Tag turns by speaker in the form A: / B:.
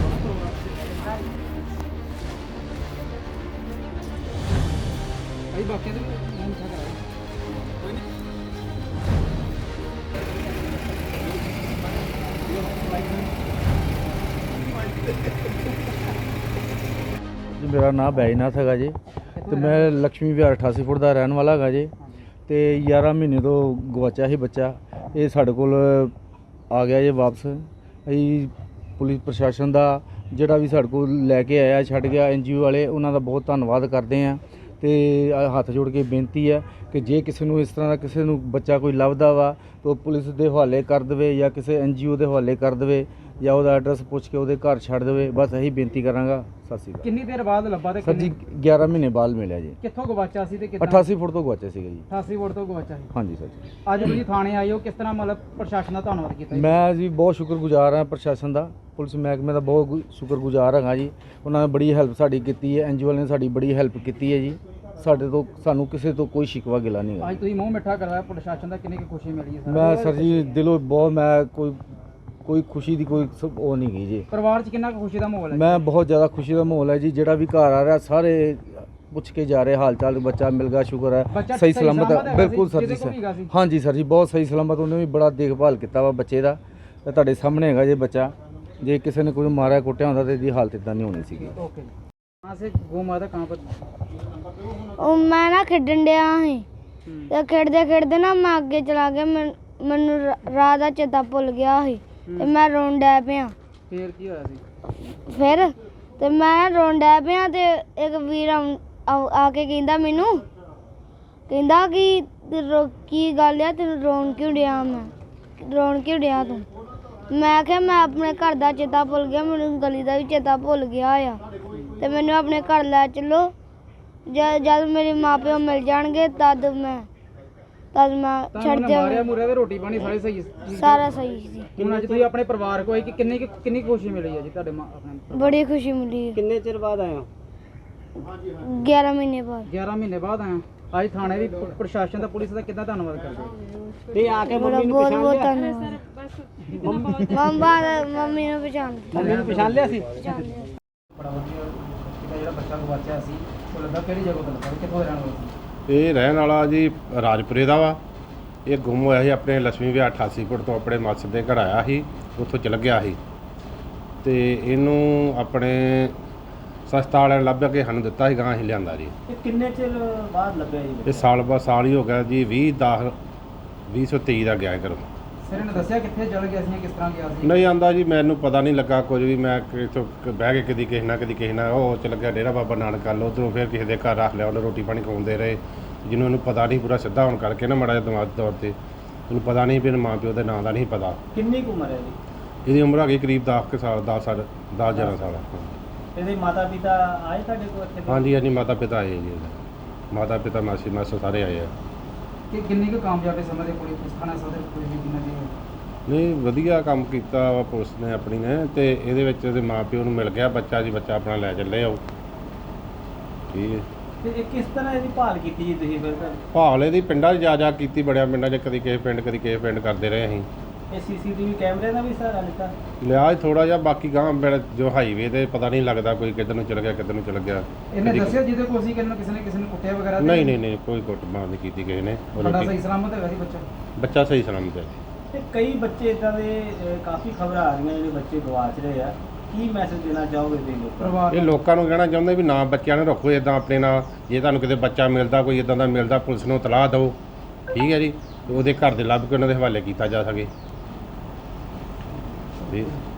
A: भाई बाकी तो नाम था करा कोई नहीं
B: जी मेरा नाम बैजनाथ है जी। तो मैं लक्ष्मी विहार 88 फुट का रहने वाला है जी। तो 11 महीने तो गवाचा ही बच्चा, ये साढ़े कोल आ गया जी वापस। अभी पुलिस प्रशासन का जोड़ा भी साढ़े को लैके आया छड़ गया, NGO वाले उन्होंने बहुत धन्यवाद करते हैं। तो हथ जोड़ के बेनती है कि जे किसी को इस तरह का किसी को बच्चा कोई लभदा वा तो पुलिस के हवाले कर दे या किसी NGO के हवाले कर दे या उसका एड्रैस पूछ के वो घर छड़ दे। बस यही बेनती करांगा। सत श्री अकाल।
A: कितनी देर बाद लब्भा ते
B: सर जी 11 महीने बाद मिले जी।
A: कित्थों गवाचा सी ते कितना
B: 88 फुट तो गवाचे सी जी।
A: 88 फुट तो गवाचा सी।
B: हाँ जी सर जी।
A: ਅੱਜ ਤੁਸੀਂ ਥਾਣੇ ਆਏ ਹੋ, ਕਿਸ ਤਰ੍ਹਾਂ ਮਤਲਬ ਪ੍ਰਸ਼ਾਸਨ ਦਾ ਧੰਨਵਾਦ ਕੀਤਾ ਜੀ?
B: मैं जी बहुत शुक्रगुजार हाँ प्रशासन का, पुलिस महकमे का बहुत शुक्रगुजार हाँ जी। उन्होंने बड़ी हैल्प साड़ी की है, NGO वाले ने साड़ी बड़ी हैल्प की है जी। साढ़े तो सानू किसी तो कोई शिकवा गिला नहीं है।
A: ਅੱਜ ਤੁਸੀਂ ਮੂੰਹ ਮਿੱਠਾ ਕਰਵਾਇਆ ਪ੍ਰਸ਼ਾਸਨ ਦਾ, ਕਿੰਨੀ ਕੁ ਖੁਸ਼ੀ ਮਿਲੀ ਹੈ?
B: मैं सर जी दिलों बहुत मैं कोई खुशी की कोई वो नहीं गई जी।
A: ਪਰਿਵਾਰ 'ਚ ਕਿੰਨਾ ਕੁ ਖੁਸ਼ੀ ਦਾ ਮਾਹੌਲ ਹੈ?
B: मैं बहुत ज़्यादा खुशी का माहौल है जी। जोड़ा भी घर आ रहा सारे पूछ के जा रहे हाल चाल, बच्चा मिल गया, शुक्र
A: बच्चा
B: है सही
A: सही
B: सलामत
A: सलामत
B: है।
A: है
B: बिल्कुल
A: वैसे,
B: सर जी
A: किसी को भी
B: सर
A: सी?
B: हाँ जी सर जी बहुत सही सलामत। उन्हें भी बड़ा देखभाल किया वा बच्चे का। तो ਤੁਹਾਡੇ सामने है जी बच्चा, जे किसी ने कोई मारा कुटिया होता तो इसकी हालत इतना नहीं होनी सी।
A: ओके। कहाँ से गौ माता कहाँ पर?
C: ਉਹ ਮੈਂ ਨਾ ਖੇਡਣ ਡਿਆ ਸੀ ਤੇ ਖੇਡਦੇ ਨਾ ਮੈਂ ਅੱਗੇ ਚਲਾ ਗਿਆ, ਮੈਨੂੰ ਰਾਹ ਦਾ ਚੇਤਾ ਭੁੱਲ ਗਿਆ ਸੀ ਤੇ ਮੈਂ ਰੋਣ ਡੈ ਪਿਆ।
A: ਫੇਰ ਕੀ ਹੋਇਆ ਸੀ?
C: ਫਿਰ ਤੇ ਮੈਂ ਰੋਣ ਡੈ ਪਿਆ ਤੇ ਇੱਕ ਵੀਰ ਆ ਕੇ ਕਹਿੰਦਾ ਮੈਨੂੰ, ਕਹਿੰਦਾ ਕਿ ਕੀ ਗੱਲ ਆ ਤੈਨੂੰ ਰੋਣ ਕਿਉਂ ਡਿਆ? ਮੈਂ ਰੋਣ ਕਿਉਂ ਡਿਆ ਤੂੰ? ਮੈਂ ਕਿਹਾ ਮੈਂ ਆਪਣੇ ਘਰ ਦਾ ਚੇਤਾ ਭੁੱਲ ਗਿਆ, ਮੈਨੂੰ ਗਲੀ ਦਾ ਵੀ ਚੇਤਾ ਭੁੱਲ ਗਿਆ ਆ ਤੇ ਮੈਨੂੰ ਆਪਣੇ ਘਰ ਲੈ ਚੱਲੋ। ਜਦ ਮੇਰੇ ਮਾਪਿਓ ਮਿਲ ਜਾਣਗੇ ਤਦ ਮੈਂ ਛੱਡ
A: ਮਾਰਿਆ
C: ਜਾਵਾਂ।
A: ਮੁਰਿਆ ਤੇ ਰੋਟੀ ਪਾਣੀ ਸਾਰੇ ਸਹੀ ਸੀ?
C: ਸਾਰਾ ਸਹੀ ਸੀ।
A: ਹੁਣ ਅੱਜ ਤੁਸੀਂ ਆਪਣੇ ਪਰਿਵਾਰ ਕੋਲ ਆਏ ਕਿ ਕਿੰਨੀ ਕੁ ਖੁਸ਼ੀ ਮਿਲੀ ਹੈ ਜੀ ਤੁਹਾਡੇ ਆਪਣੇ?
C: ਬੜੀ ਖੁਸ਼ੀ ਮਿਲੀ।
A: ਕਿੰਨੇ ਚਿਰ ਬਾਅਦ ਆਏ ਹੋ?
C: 11 ਮਹੀਨੇ ਬਾਅਦ।
A: 11 ਮਹੀਨੇ ਬਾਅਦ ਆਏ ਹੋ। ਅੱਜ ਥਾਣੇ ਵੀ ਪ੍ਰਸ਼ਾਸਨ ਦਾ, ਪੁਲਿਸ ਦਾ ਕਿੱਦਾਂ ਧੰਨਵਾਦ ਕਰਦੇ ਹੋ?
C: ਤੇ ਆ ਕੇ ਮੰਮੀ ਨੂੰ ਪਛਾਣ ਲਿਆ? ਮੰਮੀ ਨੂੰ ਪਛਾਣ ਲਿਆ।
A: ਮੰਮੀ ਨੂੰ ਪਛਾਣ ਲਿਆ ਸੀ?
C: ਪਛਾਣ ਲਿਆ।
A: ਬੜਾ ਵਧੀਆ ਕਿਤਾ ਜਿਹੜਾ ਬੱਚਾ ਗਵਾਚਿਆ ਸੀ ਉਹ ਲੱਗਾ ਕਿਹੜੀ ਜਗ੍ਹਾ ਤੋਂ ਲੱਗਾ, ਕਿੱਥੋਂ ਦਾ ਰਹਿਣ ਵਾਲਾ ਸੀ?
D: ਇਹ ਰਹਿਣ ਵਾਲਾ ਜੀ ਰਾਜਪੁਰੇ ਦਾ ਵਾ। ਇਹ ਗੁੰਮ ਹੋਇਆ ਸੀ ਆਪਣੇ ਲక్ష్ਮੀ ਵਿਹਾਰ 88 ਫੁੱਟ ਤੋਂ ਆਪਣੇ ਮਾਸੜ ਦੇ ਘਰ ਆਇਆ ਸੀ, ਉੱਥੋਂ ਚਲ ਗਿਆ ਸੀ ਤੇ ਇਹਨੂੰ ਆਪਣੇ ਸਸਤਾ ਵਾਲਿਆਂ ਨੇ ਲੱਭ ਕੇ ਸਾਨੂੰ ਦਿੱਤਾ ਸੀ, ਗਾਂ ਅਸੀਂ ਲਿਆਂਦਾ ਜੀ।
A: ਇਹ ਕਿੰਨੇ ਚਿਰ ਬਾਅਦ ਲੱਭਿਆ ਜੀ?
D: ਇਹ ਸਾਲ ਹੀ ਹੋ ਗਿਆ ਜੀ। 2023 ਦਾ ਗਿਆ ਘਰੋਂ।
A: ਸਿਰ ਨੇ ਦੱਸਿਆ ਕਿੱਥੇ ਚਲ ਗਿਆ ਸੀ, ਕਿਸ ਤਰ੍ਹਾਂ ਗਿਆ ਸੀ?
D: ਨਹੀਂ ਆਂਦਾ ਜੀ, ਮੈਨੂੰ ਪਤਾ ਨਹੀਂ ਲੱਗਾ ਕੁਝ ਵੀ। ਮੈਂ ਇੱਥੋਂ ਬਹਿ ਕੇ ਕਦੀ ਕਿਸੇ ਨਾਲ ਉਹ ਚਲ ਗਿਆ ਡੇਰਾ ਬਾਬਾ ਨਾਨਕ ਵੱਲ, ਉੱਧਰੋਂ ਫਿਰ ਕਿਸੇ ਦੇ ਘਰ ਰੱਖ ਲਿਆ, ਉਹਨੇ ਰੋਟੀ ਪਾਣੀ ਖਵਾਉਂਦੇ ਰਹੇ। ਜਿਹਨੂੰ ਇਹਨੂੰ ਪਤਾ ਨਹੀਂ ਪੂਰਾ ਸਿੱਧਾ ਹੋਣ ਕਰਕੇ ਨਾ ਮਾੜਾ ਜਿਹਾ ਦਿਮਾਗ ਤੌਰ 'ਤੇ ਉਹਨੂੰ ਪਤਾ ਨਹੀਂ ਵੀ ਮਾਂ ਪਿਓ ਦੇ ਨਾਂ ਦਾ ਨਹੀਂ ਪਤਾ।
A: ਕਿੰਨੀ ਕੁ ਉਮਰ ਹੈ ਜੀ?
D: ਇਹਦੀ ਉਮਰ ਹੈਗੀ ਕਰੀਬ 10 ਸਾਲ 10-11 ਸਾਲ।
A: ਇਹਦੇ ਮਾਤਾ ਪਿਤਾ ਆਏ ਤੁਹਾਡੇ ਕੋਲ ਇੱਥੇ?
D: ਹਾਂਜੀ ਮਾਤਾ ਪਿਤਾ ਆਏ ਜੀ ਇਹਦੇ। ਮਾਤਾ ਪਿਤਾ ਮਾਸੀ ਮਾਸਾ ਸਾਰੇ ਆਏ ਆ।
A: ਕਿ ਕਿੰਨੀ ਕੁ ਕਾਮਯਾਬੀ ਸਮਝਦੇ ਪੁਲਿਸ ਥਾਣਾ ਸਦਰ ਪੁਲਿਸ ਦੀ ਕਿੰਨਾ ਦੀ?
D: ਨਹੀਂ ਵਧੀਆ ਕੰਮ ਕੀਤਾ ਵਾ ਪੁਲਿਸ ਨੇ ਆਪਣੀ ਨੇ। ਤੇ ਇਹਦੇ ਵਿੱਚ ਇਹਦੇ ਮਾਂ ਪਿਓ ਨੂੰ ਮਿਲ ਗਿਆ ਬੱਚਾ ਜੀ, ਬੱਚਾ ਆਪਣਾ ਲੈ ਚੱਲੇ ਆਓ। ਠੀਕ ਹੈ।
A: ਤੇ ਇਹ ਕਿਸ ਤਰ੍ਹਾਂ ਇਹਦੀ ਭਾਲ ਕੀਤੀ ਜੀ ਤੁਸੀਂ ਫਿਰ?
D: ਭਾਲ ਇਹਦੀ ਪਿੰਡਾਂ 'ਚ ਜਾ ਕੀਤੀ, ਬੜਿਆ ਪਿੰਡਾਂ 'ਚ ਕਦੀ ਕਿਸੇ ਪਿੰਡ ਕਰਦੇ ਰਹੇ ਅਸੀਂ।
A: ਇਹ CCTV ਕੈਮਰੇ ਦਾ ਵੀ ਸਹਾਰਾ ਲਿੱਤਾ?
D: ਲਿਆ ਥੋੜਾ ਜਿਹਾ, ਬਾਕੀ ਗਾਂ ਜੋ ਹਾਈਵੇ ਤੇ ਪਤਾ ਨਹੀਂ ਲੱਗਦਾ ਕੋਈ ਕਿੱਧਰ ਨੂੰ ਚਲ ਗਿਆ ਕਿੱਧਰ ਨੂੰ ਚਲ ਗਿਆ।
A: ਇਹਨੇ ਦੱਸਿਆ ਜਿਹਦੇ ਕੋਲ ਸੀ ਕਿਸੇ ਨੇ ਕੁੱਟਿਆ ਵਗੈਰਾ?
D: ਨਹੀਂ ਕੋਈ ਕੁੱਟਮਾਰ ਨਹੀਂ ਕੀਤੀ ਕਿਸੇ ਨੇ।
A: ਬੜਾ ਸਹੀ ਸਲਾਮਤ ਹੈਗਾ ਸੀ
D: ਬੱਚਾ ਸਹੀ ਸਲਾਮਤ ਹੈ।
A: ਤੇ ਕਈ ਬੱਚੇ ਇਦਾਂ ਦੇ ਕਾਫੀ ਖਬਰਾਂ ਆ ਰਹੀਆਂ ਜਿਹੜੇ ਬੱਚੇ ਗਵਾਚ ਰਹੇ ਆ, ਕੀ ਮੈਸੇਜ ਦੇਣਾ ਚਾਹੋਗੇ ਤੁਸੀਂ ਲੋਕਾਂ ਨੂੰ?
D: ਇਹ ਲੋਕਾਂ ਨੂੰ ਕਹਿਣਾ ਚਾਹੁੰਦੇ ਵੀ ਨਾ ਬੱਚਿਆਂ ਨੂੰ ਰੱਖੋ ਇਦਾਂ ਆਪਣੇ ਨਾਲ। ਜੇ ਤੁਹਾਨੂੰ ਕਿਤੇ ਬੱਚਾ ਮਿਲਦਾ, ਕੋਈ ਇਦਾਂ ਦਾ ਮਿਲਦਾ, ਪੁਲਿਸ ਨੂੰ ਇਤਲਾਹ ਦਿਓ। ਠੀਕ ਹੈ ਜੀ, ਉਹਦੇ ਘਰ ਦੇ ਲੱਭ ਕੇ ਉਹਨਾਂ ਦੇ ਹਵਾਲੇ ਕੀਤਾ ਜਾ ਸਕੇ। ਠੀਕ।